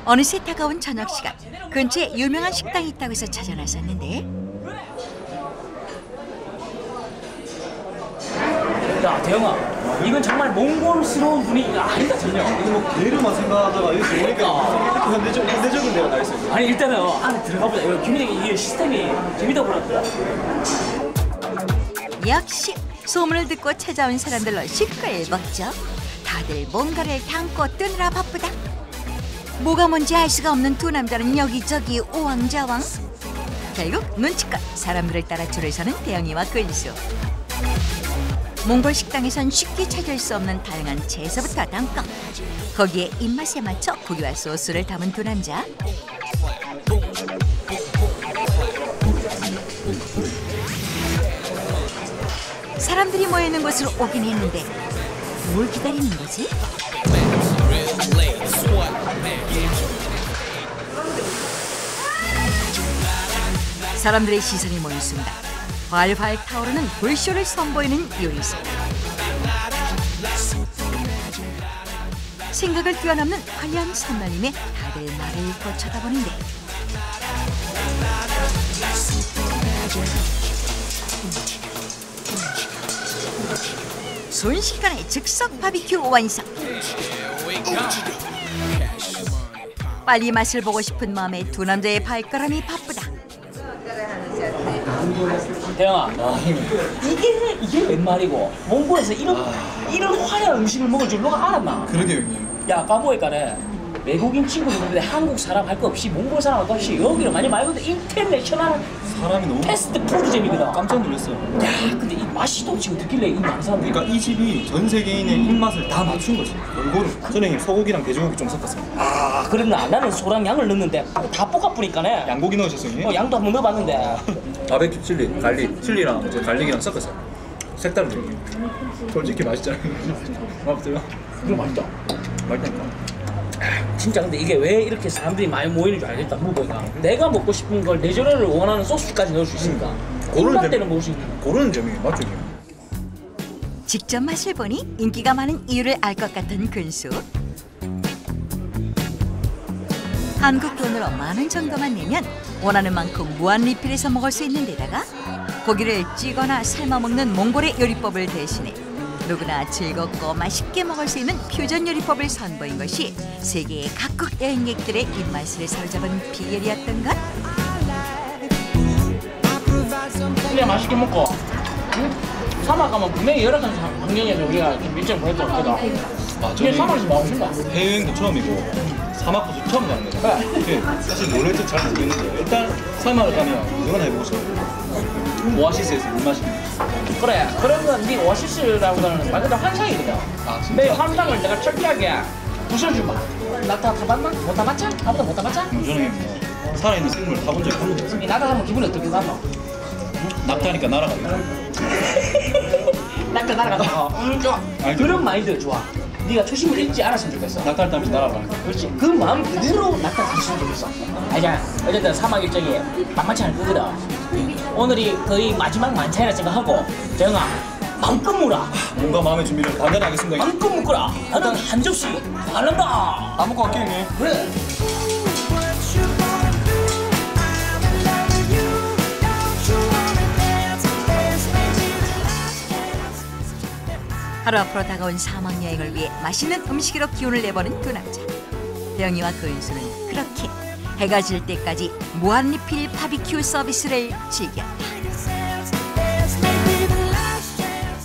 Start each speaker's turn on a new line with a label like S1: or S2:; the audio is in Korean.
S1: 어느새 다가온 저녁 시간. 근처에 유명한 식당이 있다고 해서 찾아 나섰는데
S2: 야, 대영아, 이건 정말 몽골스러운 분위기가 아니다, 전혀.
S3: 이거 뭐 게으르만 생각하다가 이렇게 보니까 이렇게 현대적인 데가 나 있어요.
S2: 아니, 일단은 안에 들어가 보자. 이거 김희정이 이 시스템이 재밌다 보니까.
S1: 역시 소문을 듣고 찾아온 사람들로 시끌벅적. 다들 뭔가를 담고 뜨느라 바쁘다. 뭐가 뭔지 알 수가 없는 두 남자는 여기저기 우왕좌왕. 결국 눈치껏 사람들을 따라 줄을 서는 대영이와 근수. 몽골 식당에선 쉽게 찾을 수 없는 다양한 채소부터 담고 거기에 입맛에 맞춰 고기와 소스를 담은 두 남자. 사람들이 모이는 곳으로 오긴 했는데 뭘 기다리는 거지? 사람들의 시선이 모인 순간 활활 타오르는 불쇼를 선보이는 요리사. 생각을 뛰어넘는 화려한 선날림에 다들 나를 잊고 쳐다보는데 순식간에 즉석 바비큐 완성. 빨리 맛을 보고 싶은 마음에 두 남자의 발걸음이 바쁘다.
S2: 대영아, 이게 웬 말이고? 몽골에서 이런 화려한 음식을 먹을 줄 누가 알았나?
S3: 그러게요, 형님.
S2: 야, 까보니까네 외국인 친구들 있는데 한국 사람 할 거 없이 몽골 사람 할 거 없이 여기는 많이 말고도 인터내셔널
S3: 사람이 너무
S2: 패스트푸드점이거든.
S3: 깜짝 놀랐어요.
S2: 야, 근데 이 맛이 또 지금 듣길래 이 많은 사람들이.
S3: 그러니까 이 집이 전 세계인의 입맛을 다 맞춘 거지. 골고루. 저는 형님 소고기랑 돼지고기 좀 섞었습니다.
S2: 아, 그랬나? 나는 소랑 양을 넣는데 다 볶아뿌니까네.
S3: 양고기 넣으셨어요, 형님?
S2: 양도 한번 넣어봤는데.
S3: 바베큐 칠리, 갈릭, 칠리랑 이제 갈릭이랑 섞었어요. 색다른 느낌. 솔직히 맛있잖아요. 맞죠?
S2: 이거 맛있다.
S3: 맛있다니까.
S2: 진짜 근데 이게 왜 이렇게 사람들이 많이 모이는 줄 알겠다. 물어보니까 내가 먹고 싶은 걸 내조류를 원하는 소스까지 넣을 수 있으니까 입맛 때는 먹을 수 있는.
S3: 고르는 점이 맞죠, 형님?
S1: 직접 맛을 보니 인기가 많은 이유를 알 것 같은 근수. 한국 돈으로 10,000원 정도만 내면 원하는 만큼 무한 리필해서 먹을 수 있는 데다가 고기를 찌거나 삶아 먹는 몽골의 요리법을 대신해 누구나 즐겁고 맛있게 먹을 수 있는 퓨전 요리법을 선보인 것이 세계의 각국 여행객들의 입맛을 사로잡은 비결이었던 것.
S2: 그냥 맛있게 먹고 사막 가면 분명히 여러 가지 환경에서 우리가 좀 일정 보냈던 거거든. 이게 사막에서 나오신다.
S3: 해외여행도 처음이고 사막도 처음 가는 거잖아요.
S2: 그래.
S3: 사실 놀랄지 잘 모르겠는데 일단 사막을 가면 누구나 해보고 싶어요. 오아시스에서 물 마시는.
S2: 그래, 그런 건 네 오아시스라고 하는 말 그대로 환상이거든.
S3: 아, 진짜?
S2: 내 환상을 내가 철저하게 부숴주마. 나 다 타봤나? 못 타봤자? 아무도 못 타봤자?
S3: 저는 뭐 살아있는 생물을 타본 적이 한 번도 없어요.
S2: 이 나가면 기분이 어떻게 나노?
S3: 낙타니까 날아가요.
S2: 낙타 날아가서 좋아. 그런 마인드 좋아. 네가 초심을 잃지 않았으면 좋겠어.
S3: 낙타를 타면서 날아가는 거.
S2: 그렇지. 그 마음 그대로 낙타 갔으면 좋겠어. 아니야. 어쨌든 사막 일정이 만만치 않을 거거든. 오늘이 거의 마지막 만찬이라 생각하고 정아 마음껏 먹어라.
S3: 뭔가 마음의 준비를 단단히 하겠습니다.
S2: 마음껏 먹거라. 나는 한 접시 안 한다.
S3: 다 먹고 갈게요, 형님.
S2: 그래.
S1: 하루 앞으로 다가온 사막 여행을 위해 맛있는 음식으로 기운을 내보는 두 남자. 대영이와 근수는 그렇게 해가 질 때까지 무한 리필 바비큐 서비스를 즐겼다.